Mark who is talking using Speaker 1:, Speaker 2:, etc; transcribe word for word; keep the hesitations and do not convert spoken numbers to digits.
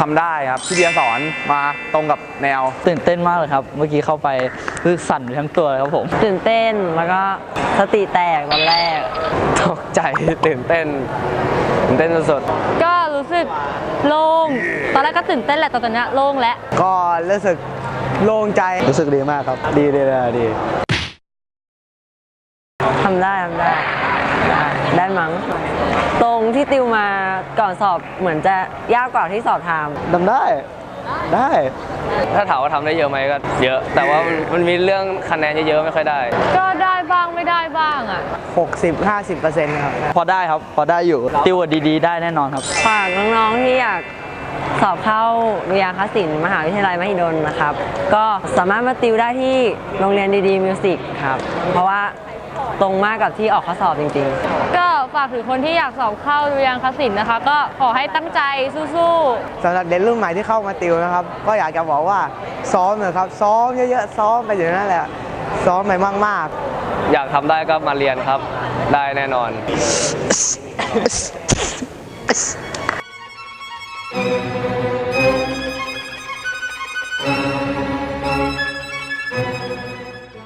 Speaker 1: ทำได้ครับพี่เบียร์สอนมาตรงกับแนว
Speaker 2: ตื่นเต้นมากเลยครับเมื่อกี้เข้าไปคือสั่นทั้งตัวเลยครับผม
Speaker 3: ตื่นเต้นแล้วก็สติแตกตอนแรก
Speaker 1: ตกใจตื่นเต้นตื่นเต้นสุด
Speaker 4: ๆก็รู้สึกโล่งตอนแรกก็ตื่นเต้นแหละแต่ตอนนี้โล่งแล้ว
Speaker 5: ก็รู้สึกโล่งใจ
Speaker 2: รู้สึกดีมากครับดีดีเลยดี
Speaker 3: ทำได้ทำได้ได้มั้งตรงที่ติวมาก่อนสอบเหมือนจะยากกว่าที่สอบทำ
Speaker 2: ทำได้ได้
Speaker 1: ถ้าถามว่าทำได้เยอะไหมก็เยอะแต่ว่ามันมีเรื่องคะแนนเยอะๆไม่ค่อยได้
Speaker 4: ก็ได้บ้างไม่ได้บ้างอ่ะ
Speaker 5: หกสิบ ห้าสิบเปอร์เซ็นต์ ครับ
Speaker 2: พอได้ครับพอได้อยู่ติวดีๆได้แน่นอนครับ
Speaker 3: ฝากน้องๆที่อยากสอบเข้าวิทยาคศิลป์มหาวิทยาลัยมหิดลนะครับก็สามารถมาติวได้ที่โรงเรียนดีๆมิวสิกครับเพราะว่าตรงมากกับที่ออกข้อสอบจริง
Speaker 4: ๆก็ฝากถึงคนที่อยากสอบเข้าดุริยางคศิลป์นะคะก็ขอให้ตั้งใจสู้
Speaker 5: ๆสำหรับเด็กรุ่นใหม่ที่เข้ามาติวนะครับก็อยากจะบอกว่าซ้อมเลยครับซ้อมเยอะๆซ้อมไปอยู่นั่นแหละซ้อมไปมาก
Speaker 1: ๆอยากทำได้ก็มาเรียนครับได้แน่นอน
Speaker 6: Thank you.